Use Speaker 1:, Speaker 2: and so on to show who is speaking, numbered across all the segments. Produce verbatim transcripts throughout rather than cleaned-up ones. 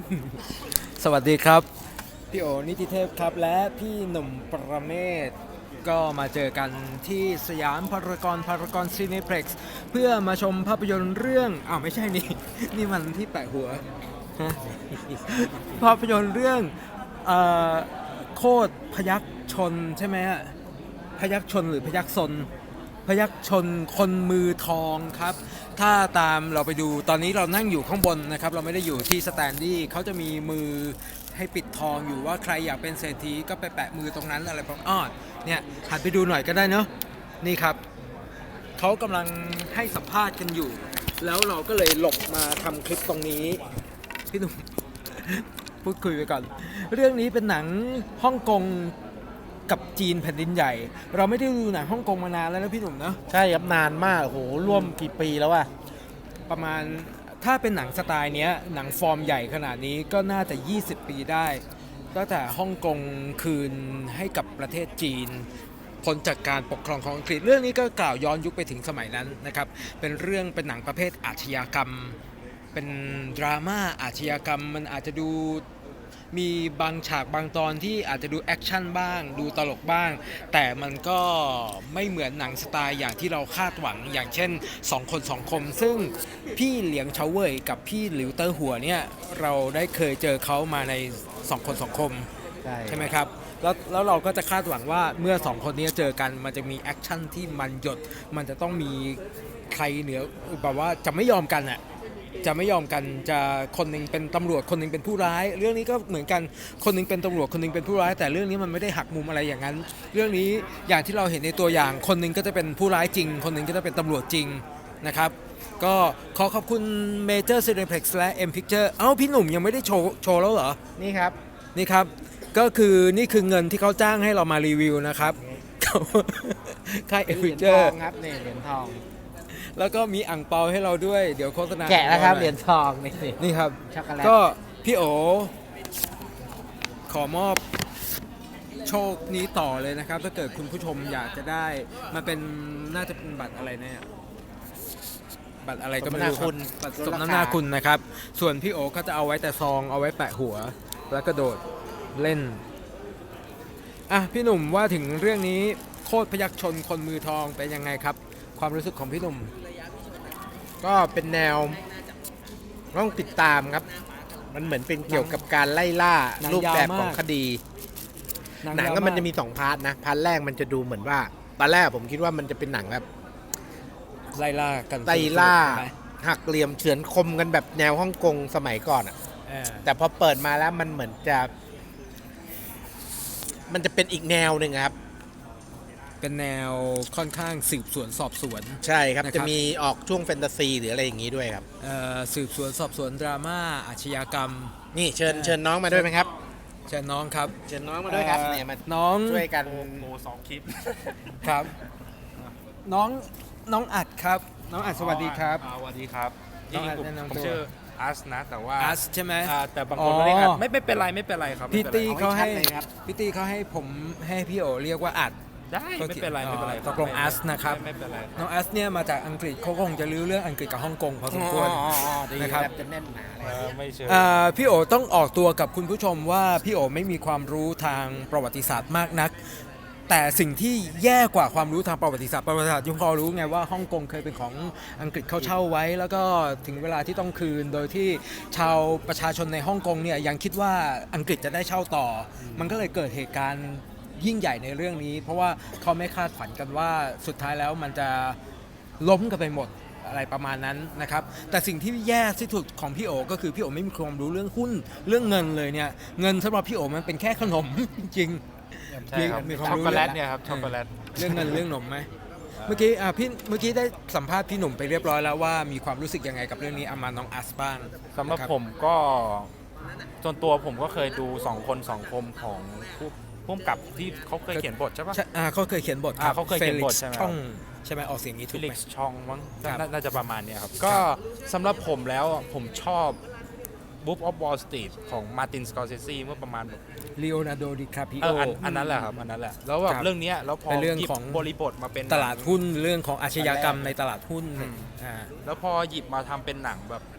Speaker 1: สวัสดีครับพี่โอนิติเทพครับและพี่หนุ่มประเมศก็มาเจอกันที่สยามพารากอนพารากอนซีนิเพล็กซ์เพื่อมาชมภาพยนตร์เรื่องอ้าวไม่ใช่นี่ นี่มันที่แปะหัวฮะภาพยนตร์เรื่องเอ่อโคตรพยัคฆ์ชนใช่ไหมฮะพยัคฆ์ชนหรือพยัคฆ์ซนพยัคฆ์ชนคนมือทองครับถ้าตามเราไปดูตอนนี้เรานั่งอยู่ข้างบนนะครับเราไม่ได้อยู่ที่สแตนดี้เขาจะมีมือให้ปิดทองอยู่ว่าใครอยากเป็นเศรษฐีก็ไปแปะมือตรงนั้นอะไรประมาณอ้อเนี่ยหันไปดูหน่อยก็ได้เนาะนี่ครับเขากำลังให้สัมภาษณ์กันอยู่ แล้วเราก็เลยหลบมาทำคลิปตรงนี้พี่หนุ่ม พูดคุยไปก่อน เรื่องนี้เป็นหนังฮ่องกงกับจีนแผ่นดินใหญ่ เราไม่ได้ดูหนังฮ่องกงมานานแล้วนะพี่หนุ่มเนาะ
Speaker 2: ใช่ครับนานมากโหร่วมกี่ปีแล้วอะ
Speaker 1: ประมาณถ้าเป็นหนังสไตล์เนี้ยหนังฟอร์มใหญ่ขนาดนี้ก็น่าจะยี่สิบปีได้ตั้งแต่ฮ่องกงคืนให้กับประเทศจีนพ้นจากการปกครองของอังกฤษเรื่องนี้ก็กล่าวย้อนยุคไปถึงสมัยนั้นนะครับเป็นเรื่องเป็นหนังประเภทอาชญากรรมเป็นดราม่าอาชญากรรมมันอาจจะดูมีบางฉากบางตอนที่อาจจะดูแอคชั่นบ้างดูตลกบ้างแต่มันก็ไม่เหมือนหนังสไตล์อย่างที่เราคาดหวังอย่างเช่นสองคนสองคมซึ่งพี่เหลียงเฉาเว่ยกับพี่หลิวเตอร์หัวเนี่ยเราได้เคยเจอเขามาในสองคนสองคมใช่ใช่ไหมครับแล้วแล้วเราก็จะคาดหวังว่าเมื่อสองคนนี้เจอกันมันจะมีแอคชั่นที่มันหยดมันจะต้องมีใครเหนือแบบว่าจะไม่ยอมกันอะจะไม่ยอมกันจะคนหนึ่งเป็นตำรวจคนหนึ่งเป็นผู้ร้ายเรื่องนี้ก็เหมือนกันคนหนึ่งเป็นตำรวจคนหนึ่งเป็นผู้ร้ายแต่เรื่องนี้มันไม่ได้หักมุมอะไรอย่างนั้นเรื่องนี้อย่างที่เราเห็นในตัวอย่างคนหนึ่งก็จะเป็นผู้ร้ายจริงคนหนึ่งก็จะเป็นตำรวจจริงนะครับก็ขอขอบคุณ Major Cineplex และ M Picture เอ้าพี่หนุ่มยังไม่ได้โชว์โชว์แล้วเหรอ
Speaker 2: นี่ครับ
Speaker 1: นี่ครับก็คือนี่คือเงินที่เขาจ้างให้เรามารีวิวนะครับค่าย M
Speaker 2: เหรียญท
Speaker 1: Picture
Speaker 2: องครับนี่เหรียญทอง
Speaker 1: แล้วก็มีอ่างเปาให้เราด้วยเดี๋ยวโฆษณา
Speaker 2: แกะแล้วครับเหรียญทองนี่
Speaker 1: นี่ครับ
Speaker 2: ช็อกโกแลต
Speaker 1: ก็พี่โอขอมอบโชคนี้ต่อเลยนะครับถ้าเกิดคุณผู้ชมอยากจะได้มาเป็นน่าจะเป็นบัตรอะไรเนี่ยบัตรอะไรก็ไม่รู้ครับบัตรสมน้ำหน้าคุณนะครับส่วนพี่โอก็จะเอาไว้แต่ซองเอาไว้แปะหัวแล้วก็โดดเล่นอ่ะพี่หนุ่มว่าถึงเรื่องนี้โคตรพยัคฆ์ชนคนมือทองเป็นยังไงครับความรู้สึกของพี่หนุ่ม
Speaker 2: ก็เป็นแนวต้องติดตามครับมันเหมือนเป็นเกี่ยวกับการไล่ล่ารูปแบบของคดีหนังก็มันจะมีสองพาร์ทนะพาร์ทแรกมันจะดูเหมือนว่าตอนแรกผมคิดว่ามันจะเป็นหนังแบบ
Speaker 1: ไล่ล่ากัน
Speaker 2: ไล่ล่าหักเหลี่ยมเฉือนคมกันแบบแนวฮ่องกงสมัยก่อนอ่ะแต่พอเปิดมาแล้วมันเหมือนจะมันจะเป็นอีกแนวหนึ่งครับ
Speaker 1: เป็นแนวค่อนข้างสืบสวนสอบสวน
Speaker 2: ใช่ครับจะมีออกช่วงแฟนตาซีหรืออะไรอย่างนี้ด้วยครับ
Speaker 1: สืบสวนสอบสวนดราม่าอาชญากรรม
Speaker 2: นี่เชิญเชิญน้องมาด้วยไหมครับ
Speaker 1: เชิญน้องครับ
Speaker 2: เชิญน้องมาด้วยครับเนี่ยมา
Speaker 1: น้อง
Speaker 2: ช่วยกัน
Speaker 3: โมสองคลิป
Speaker 1: ครับน้องน้องอัดครับน้องอัดสวัสดีครับ
Speaker 3: สวัสดีครับจริงๆผมชื่ออัสนะแต่ว่า
Speaker 1: อัสใช่ไหม
Speaker 3: แต่บางคนไม่ได้อัดไม่ไม่เป็นไรไม่เป็นไรครับ
Speaker 1: พี่ตีเขาให้พี่ตีเขาให้ผมให้พี่โอเรียกว่าอัด
Speaker 3: ได้ไม่เป็นไรไม่เป็นไร
Speaker 1: ตกลงอัสนะครับ
Speaker 3: ไม่เป็นไร
Speaker 1: น้องอัสเนี่ยมาจากอังกฤษเขาคงจะรู้เรื่องอังกฤษกับฮ่องกงพอสมควรนะครับ
Speaker 2: จะแน่นหนา
Speaker 3: ไม่เชื่อ
Speaker 1: พี่โอต้องออกตัวกับคุณผู้ชมว่าพี่โอไม่มีความรู้ทางประวัติศาสตร์มากนักแต่สิ่งที่แย่กว่าความรู้ทางประวัติศาสตร์ประวัติศาสตร์ยังพอรู้ไงว่าฮ่องกงเคยเป็นของอังกฤษเขาเช่าไว้แล้วก็ถึงเวลาที่ต้องคืนโดยที่ชาวประชาชนในฮ่องกงเนี่ยยังคิดว่าอังกฤษจะได้เช่าต่อมันก็เลยเกิดเหตุการณ์ยิ่งใหญ่ในเรื่องนี้เพราะว่าเขาไม่คาดฝันกันว่าสุดท้ายแล้วมันจะล้มกันไปหมดอะไรประมาณนั้นนะครับแต่สิ่งที่แย่ที่สุดของพี่โอก็คือพี่โอไม่มีความรู้เรื่องหุ้นเรื่องเงินเลยเนี่ยเงินสำหรับพี่โอมันเป็นแค่ขนมจริง
Speaker 3: ใช่ครับช็อกโกแลตเนี่ยครับช็อกโกแลต
Speaker 1: เรื่องเงินเรื่องขนมไหมเมื่อกี้อ่ะพี่เมื่อกี้ได้สัมภาษณ์พี่หนุ่มไปเรียบร้อยแล้วว่ามีความรู้สึกยังไงกับเรื่องนี้อามาน้องอัสบ้าง
Speaker 3: สำหรับผมก็ส่วนตัวผมก็เคยดูสองคนสองคมของผู้พุ่มกับที่เขาเคยเขียนบทใช่ปะ
Speaker 1: อ่าเขาเคยเขียนบทครับ
Speaker 3: เขาเคยเขียนบทใช่ไหม
Speaker 1: ช่องใช่ไหมออกเสียงนี้ถูกไหม
Speaker 3: ฟิลิกซ์ช่องมั้งน่าจะประมาณนี้ครับก็สำหรับผมแล้วผมชอบบุ๊กออฟวอลสตรีทของมาร์ตินสกอร์เซซีเมื่อประมาณแบบ
Speaker 1: ลีโอนาร์โดดิคาปิโอ
Speaker 3: อันนั้นแหละครับอันนั้นแหละแล้วแบบเรื่องนี้แล้วพอ
Speaker 1: เรื่องของ
Speaker 3: บริบทมาเป็น
Speaker 1: ตลาดหุ้นเรื่องของอาชญากรรมในตลาดหุ้น
Speaker 3: แล้วพอหยิบมาทำเป็นหนังแบบ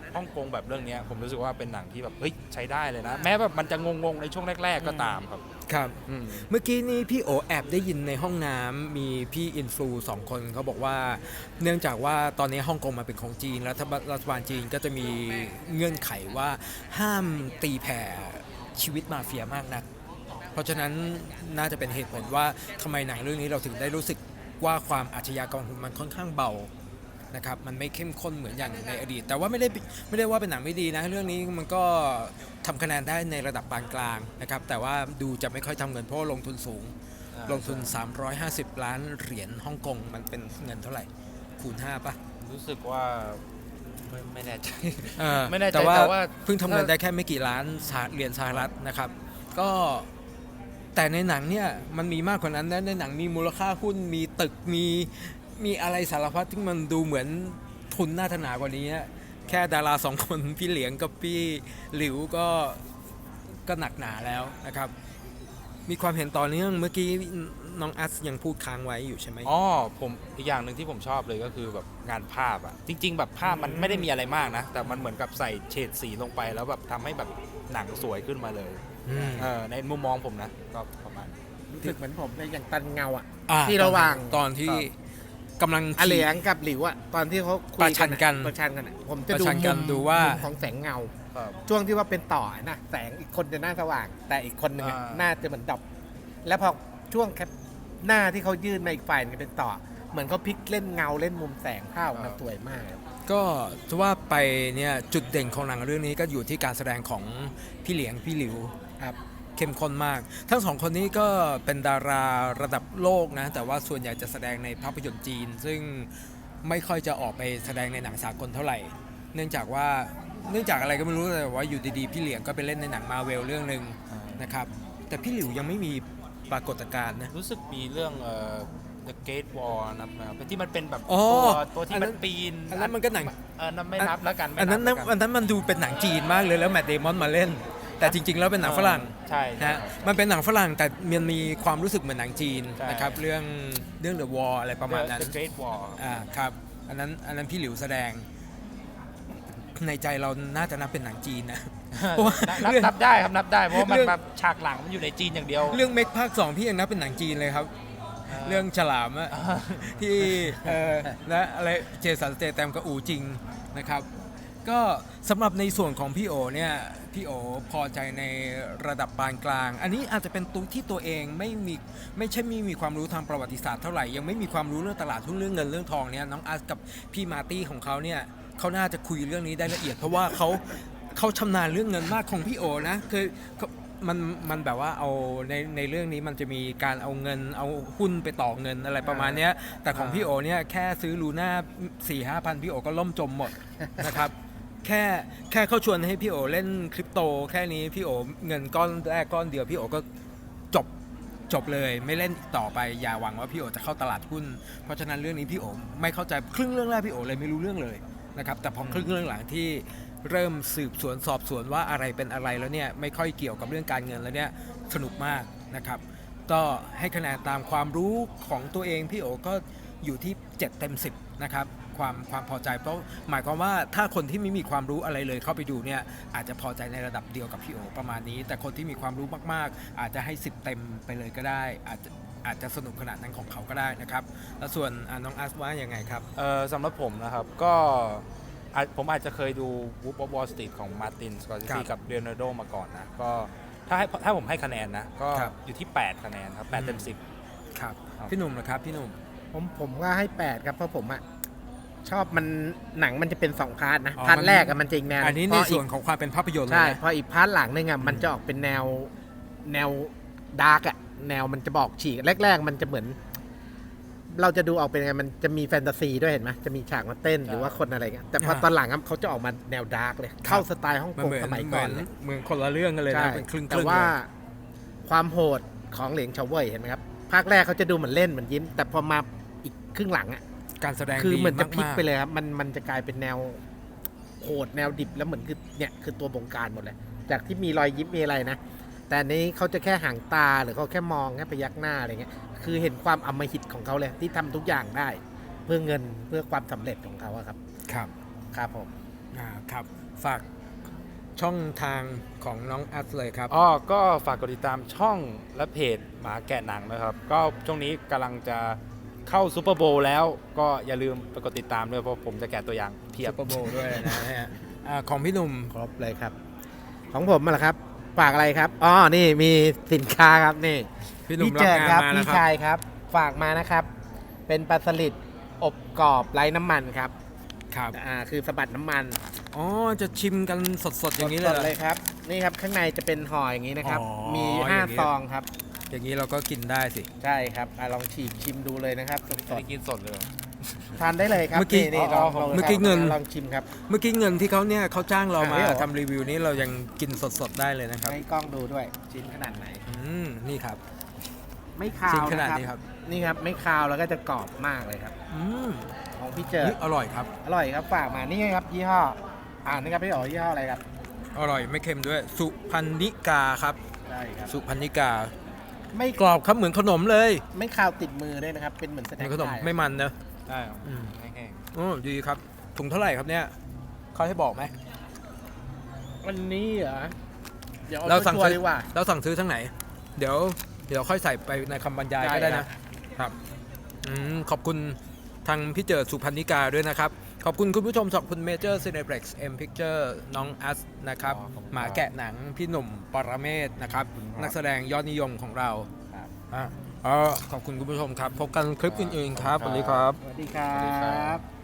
Speaker 3: ฮ่องกงแบบเรื่องเนี้ยผมรู้สึกว่าเป็นหนังที่แบบเฮ้ยใช้ได้เลยนะ แม้แบบมันจะงงๆในช่วงแรก ๆ ก็ตามครับ
Speaker 1: ครับ
Speaker 3: อืม
Speaker 1: เมื่อกี้นี้พี่โอแอบได้ยินในห้องน้ำมีพี่อินฟลูสองคนเขาบอกว่า เนื่องจากว่าตอนนี้ฮ่องกงมาเป็นของจีนรัฐบาลรัฐบาลจีนก็จะมีเงื่อนไขว่าห้ามตีแผ่ชีวิตมาเฟียมากนัก เพราะฉะนั้นน่าจะเป็นเหตุผลว่าทำไมหนังเรื่องนี้เราถึงได้รู้สึกว่าความอาชญากรของมันค่อนข้างเบานะครับมันไม่เข้มข้นเหมือนอย่างในอดีต แต่ว่าไม่ได้ไม่ได้ว่าเป็นหนังไม่ดีนะเรื่องนี้มันก็ทำคะแนนได้ในระดับปานกลางนะครับแต่ว่าดูจะไม่ค่อยทำเงินเพราะลงทุนสูง
Speaker 3: อ่า
Speaker 1: ลงทุน สามร้อยห้าสิบ ล้านเหรียญฮ่องกงมันเป็นเงินเท่าไหร่คูณห้าป่ะ
Speaker 3: รู้สึกว่าไม่ไม่แน่ใจ
Speaker 1: เออ
Speaker 3: ไม่แน่ใจ
Speaker 1: แต่ว่า
Speaker 3: แต่ว่า
Speaker 1: เพิ่งทำเงินได้แค่ไม่กี่ล้านสหเหรียญสหรัฐนะครับ ก็แต่ในหนังเนี่ยมันมีมากกว่านั้นนะในหนังมีมูลค่าหุ้นมีตึกมีมีอะไรสารพัดที่มันดูเหมือนทุนน่าถนากว่านี้นะแค่ดาราสองคน พี่เหลียงกับพี่หลิวก็ก็หนักหนาแล้วนะครับ มีความเห็นต่อเนื่องเมื่อกี้น้องอัสยังพูดค้างไว้อยู่ใช่ไหม
Speaker 3: อ๋อผมอีกอย่างหนึ่งที่ผมชอบเลยก็คือแบบงานภาพอะจริง ๆ แบบภาพมันไม่ได้มีอะไรมากนะ แต่มันเหมือนกับใส่เฉดสีลงไปแล้วแบบทำให้แบบหนังสวยขึ้นมาเลย
Speaker 1: อืม
Speaker 3: เออในมุมมองผมนะก็ประมาณนี้
Speaker 2: รู้สึกเหมือนผมเลยอย่างตันเงาอ่ะ
Speaker 1: อ่า
Speaker 2: ที่ระหว่าง
Speaker 1: ตอนที่กำลัง
Speaker 2: อาเหลียงกับหลิวอ่ะตอนที่เขาคุย
Speaker 1: ประชันกัน
Speaker 2: อะประชันกันอะผมจะ
Speaker 1: ประ
Speaker 2: ดู
Speaker 1: ชันกัน
Speaker 2: มุม
Speaker 1: ดูว่า
Speaker 2: มุมของแสงเงา
Speaker 3: ครับ
Speaker 2: ช่วงที่ว่าเป็นต่อนะแสงอีกคนจะหน้าสว่าง แต่อีกคนหนึ่งอะ
Speaker 3: อ่า
Speaker 2: หน้าจะเหมือนดับ แล้วพอช่วงแคปหน้าที่เขายื่นมาอีกฝ่ายหนึงเป็นต่อ เหมือนเขาพลิกเล่นเงาเล่นมุมแสงภาพมันสวยมากครับ
Speaker 1: ก็จะว่าไปเนี่ยจุดเด่นของหนังเรื่องนี้ก็อยู่ที่การแสดงของพี่เหลียงพี่หลิว
Speaker 2: ครับ
Speaker 1: เข้มข้นมาก ทั้งสองคนนี้ก็เป็นดาราระดับโลกนะแต่ว่าส่วนใหญ่จะแสดงในภาพยนตร์จีน ซึ่งไม่ค่อยจะออกไปแสดงในหนังสากลเท่าไหร่ เนื่องจากว่าเนื่องจากอะไรก็ไม่รู้แต่ว่าอยู่ดีๆพี่เหลียงก็ไปเล่นในหนังมาเวลเรื่องหนึ่งนะครับแต่พี่หลิวยังไม่มีปรากฏการณ์นะ
Speaker 3: รู้สึกมีเรื่องเอ่อ The Gate Wall นะครับที่มันเป็นแบบ
Speaker 1: อ๋อ
Speaker 3: ตัวตัวที่
Speaker 1: อันนั้
Speaker 3: มัน นปีน
Speaker 1: อันนั้นมันก็หนัง
Speaker 3: เออนั่นไม่นับแล้วกันไม่
Speaker 1: อันนั้น
Speaker 3: แล้วกั
Speaker 1: อันนั้นมันดูเป็นหนังจีนมากเลยแล้วแมทเดมอนมาเล่น แต่จริง ๆ แล้วเป็นหนังฝรั่ง
Speaker 3: ใช่ใช่
Speaker 1: นะมันเป็นหนังฝรั่งแต่มันมีความรู้สึกเหมือนหนังจีน
Speaker 3: ใช่
Speaker 1: นะครับเรื่องเรื่อง The Wall อะไรประมาณนั้น
Speaker 3: The Great Wall
Speaker 1: อ่าครับอันนั้นอันนั้นพี่หลิวแสดง ในใจเราน่าจะนับเป็นหนังจีนนะ เพราะว่า
Speaker 3: นับ
Speaker 1: เรื่อง
Speaker 3: นับได้ครับนับได้เพราะว่ามัน
Speaker 1: เรื่อง
Speaker 3: แบบฉากหลังมันอยู่ในจีนอย่างเดียว
Speaker 1: เรื่องเมกภาคสองพี่ยังนับเป็นหนังจีนเลยครับ เรื่องฉลามอะ ที่เออและอะไรเจสันสเตแตมกับอูจริงนะครับ ก็สำหรับในส่วนของพี่โอเนี่ยพี่โอพอใจในระดับปานกลาง อันนี้อาจจะเป็นตัวที่ตัวเองไม่มีไม่ใช่ไม่มีความรู้ทางประวัติศาสตร์เท่าไหร่ยังไม่มีความรู้เรื่องตลาดหุ้นเรื่องเงินเรื่องทองเนี่ยน้องอาร์ตกับพี่มาร์ตี้ของเขาเนี่ยเขาน่าจะคุยเรื่องนี้ได้ละเอียด เพราะว่าเขาเขาชำนาญเรื่องเงินมากของพี่โอนะคือเขามันมันแบบว่าเอาในในเรื่องนี้มันจะมีการเอาเงินเอาหุ้นไปต่อเงินอะไรประมาณเนี้ยแต่ของพี่โอเนี่ยแค่ซื้อลูน่าสี่ห้าพันพี่โอก็ล่มจมหมดนะครับ แค่แค่เขาชวนให้พี่โอเล่นคริปโตแค่นี้พี่โอเงินก้อนแรกก้อนเดียวพี่โอก็จบจบเลยไม่เล่นอีกต่อไปอย่าหวังว่าพี่โอจะเข้าตลาดหุ้นเพราะฉะนั้นเรื่องนี้พี่โอไม่เข้าใจครึ่งเรื่องแรกพี่โอเลยไม่รู้เรื่องเลยนะครับแต่พอครึ่งเรื่องหลังที่เริ่มสืบสวนสอบสวนว่าอะไรเป็นอะไรแล้วเนี่ยไม่ค่อยเกี่ยวกับเรื่องการเงินแล้วเนี่ยสนุกมากนะครับก็ให้คะแนนตามความรู้ของตัวเองพี่โอก็อยู่ที่เจ็ดเต็มสิบนะครับความความพอใจเพราะหมายความว่าถ้าคนที่ไม่มีความรู้อะไรเลยเข้าไปดูเนี่ยอาจจะพอใจในระดับเดียวกับพี่โอประมาณนี้ แต่คนที่มีความรู้มากๆ อาจจะให้สิบเต็มไปเลยก็ได้อาจจะอาจจะสนุกขนาดนั้นของเขาก็ได้นะครับแล้วส่วนอ่ะน้องอาร์ตว่ายังไงครับ
Speaker 3: เออสำหรับผมนะครับก็อาจผมอาจจะเคยดู Wolf of Wall Street ของมาร์ตินสกอร์เซ
Speaker 1: ครั
Speaker 3: ซี
Speaker 1: บ
Speaker 3: กับเ e โ a นาร์โดมาก่อนนะก็ถ้าให้ถ้าผมให้คะแนนนะก็
Speaker 1: ครับ
Speaker 3: อยู่ที่แปดคะแนนครับแปดเต็มสิบ
Speaker 1: ครับ
Speaker 3: ครับ
Speaker 1: พี่หนุ่มนะครับพี่หนุ่ม
Speaker 2: ผมผมก็ให้แปดครับเพราะผมอะชอบมันหนังมันจะเป็นสองพาร์ทนะ
Speaker 1: อ๋อ
Speaker 2: พาร์ท
Speaker 1: มัน
Speaker 2: แรกอะมันจะอีกแนว
Speaker 1: อันนี้
Speaker 2: พ
Speaker 1: ใน
Speaker 2: อ
Speaker 1: ส่
Speaker 2: อี
Speaker 1: วน
Speaker 2: ก
Speaker 1: ของความเป็นภาพยนตร์เล
Speaker 2: ใช่
Speaker 1: ยนะ
Speaker 2: พออีกพาร์ทหลังนึงอะมันจะออกเป็นแนวแนวดาร์กอะแนวมันจะบอกฉีกแรก ๆ มันจะเหมือน เราจะดูออกเป็นไงมันจะมีแฟนตาซีด้วยเห็นไหมจะมีฉากมาเต้นหรือว่าคนอะไรเงี้ยแต่พอ
Speaker 1: อ่า
Speaker 2: ตอนหลังอะเขาจะออกมาแนวดาร์กเลย เข้าสไตล์ฮ่อง
Speaker 1: มัน
Speaker 2: กง
Speaker 1: เหมือน
Speaker 2: สมัย
Speaker 1: เห
Speaker 2: ก่
Speaker 1: มื
Speaker 2: อ
Speaker 1: อน น
Speaker 2: เลย
Speaker 1: เหมือนคนละเรื่องกันเลย
Speaker 2: ใช่
Speaker 1: นะเป็นครึ่งๆ
Speaker 2: แต่ว่า
Speaker 1: เลย
Speaker 2: ความโหดของเหลียงเฉาเว่ยเห็นไหมครับภาคแรกเขาจะดูเหมือนเล่นเหมือนยิ้ม แต่พอมาอีกครึ่งหลังอะ
Speaker 1: การแสดง
Speaker 2: คือ
Speaker 1: ดี
Speaker 2: เหมือนจะพลิก
Speaker 1: ากๆ
Speaker 2: ไปเลยครับมันมันจะกลายเป็นแนวโหดแนวดิบแล้วเหมือนคือเนี่ยคือตัวบงการหมดเลย จากที่มีรอยยิ้มมีอะไรนะ แต่อันนี้เขาจะแค่ห่างตาหรือเขาแค่มองแค่พยักหน้าอะไรเงี้ยคือเห็นความอำมหิตของเขาเลยที่ทำทุกอย่างได้ เพื่อเงินเพื่อความสำเร็จของเขาอะครับ
Speaker 1: ครับ
Speaker 2: ครับผม
Speaker 1: อ่าครับฝากช่องทางของน้องอัสเลยครับ
Speaker 3: อ๋อก็ฝากกดติดตามช่องและเพจหมาแกะหนังนะครับ ก็ช่วงนี้กำลังจะเข้าซูเปอร์โบว์แล้วก็อย่าลืมไปกดติดตามด้วยเพราะผมจะแกะตัวอย่างเพียบ
Speaker 1: ซุปเปอร์โบว์ด้วยนะฮะอ่าของพี่หนุ่ม
Speaker 2: ครบเลยครับ ของผมมาละครับ ฝากอะไรครับอ๋อนี่มีสินค้าครับนี่
Speaker 1: พี่หนุ่ม
Speaker 2: เจิด
Speaker 1: รับ
Speaker 2: ค
Speaker 1: งา
Speaker 2: รั
Speaker 1: นมาแล้ว
Speaker 2: พี่
Speaker 1: ครับ
Speaker 2: ชายครับ ฝากมานะครับ เป็นปลาสลิดอบกรอบไร้น้ำมันครับ
Speaker 1: ครับ
Speaker 2: อ่าคือสะบัดน้ำมัน
Speaker 1: อ๋อจะชิมกันสดๆอย่างนี้เลย
Speaker 2: ส
Speaker 1: เหร
Speaker 2: ด
Speaker 1: อ
Speaker 2: ๆเลยครับ นี่ครับข้างในจะเป็นห่ออย่างนี้นะครับ
Speaker 1: อ๋อ
Speaker 2: มี
Speaker 1: อ
Speaker 2: ห้า
Speaker 1: ย่างนี้
Speaker 2: ซองครับ
Speaker 1: อย่างนี้เราก็กินได้สิ
Speaker 2: ใช่ครับอ่ะลองฉีกชิมดูเลยนะครับส
Speaker 3: ไม่
Speaker 2: ด
Speaker 3: ได้กินสดเลย
Speaker 2: ๆทานได้เลยครับ
Speaker 1: เมื่อกี้
Speaker 2: นี่ๆลองลอง
Speaker 1: เมื่อกี้เงิน
Speaker 2: ลองชิมครับ
Speaker 1: เมื่อกี้เงินที่เขาเนี่ยเขาจ้างเรามา
Speaker 2: อ่ะไม่เหรอ
Speaker 1: ทำรีวิวนี้เรายังกินสดๆได้เลยนะครับ
Speaker 2: ให้กล้องดูด้วยชิ้นขนาดไหน
Speaker 1: อืมนี่ครับ
Speaker 2: ไม่คา
Speaker 1: ชิ้น
Speaker 2: ว
Speaker 1: ขนาด
Speaker 2: นะ
Speaker 1: นี้ครับ
Speaker 2: นี่ครับไม่คาวแล้วก็จะกรอบมากเลยครับ
Speaker 1: อืม
Speaker 2: ของพี่เจิด
Speaker 1: นี่อร่อยครับ
Speaker 2: อร่อยครับฝากมานี่ครับยี่ห้ออ่านนะครับพี่อ๋อยี่ห้ออะไรครับ
Speaker 1: อร่อยไม่เค็มด้วย สุพันนิกาครับ
Speaker 2: ใช่ครับ
Speaker 1: สุพันนิกา
Speaker 2: ไม่
Speaker 1: กรอบครับเหมือนขนมเลย
Speaker 2: ไม่คาวติดมือด้วยนะครับ เป็นเหมือนส
Speaker 1: เห
Speaker 2: แน็
Speaker 1: มือนขนม
Speaker 2: คได้
Speaker 1: ไม่มันเนอะ
Speaker 3: ได้ครับ
Speaker 1: อืม
Speaker 3: แห้ง
Speaker 1: โอ้ดีครับถุงเท่าไหร่ครับเนี่ยเขาให้บอกไหม
Speaker 2: วันนี้เหรอเดี๋ยวเอา
Speaker 1: เราสั่ง
Speaker 2: ชัว
Speaker 1: ซื้
Speaker 2: ร์
Speaker 1: อ
Speaker 2: ดีกว่า
Speaker 1: เราสั่งซื้อทั้งไหน เดี๋ยว เดี๋ยวค่อยใส่ไปในคำบรรยาย
Speaker 2: ได้
Speaker 1: ก็ได้
Speaker 2: ครั
Speaker 1: นะ
Speaker 2: บ
Speaker 1: ครับอืมขอบคุณทางพี่เจิดสุพันนิกาด้วยนะครับ ขอบคุณคุณผู้ชมขอบคุณเมเจอร์ซีเน p ็กซ์เอ็มพิกเจอร์น้องอัสนะครับ
Speaker 3: อ๋อขอบคุณครับ
Speaker 1: หมาแกะหนังพี่หนุ่มปรเมศนะครับ
Speaker 3: ขอบคุณครับ
Speaker 1: นักแสดงยอดนิยมของเรา
Speaker 2: ครับ
Speaker 1: อ่ะอ๋อขอบคุณคุณผู้ชมครับ พบกันคลิปอื่นๆครับสวัสดีครับ
Speaker 2: สวัสดีครั
Speaker 3: สวัสดีครับ บ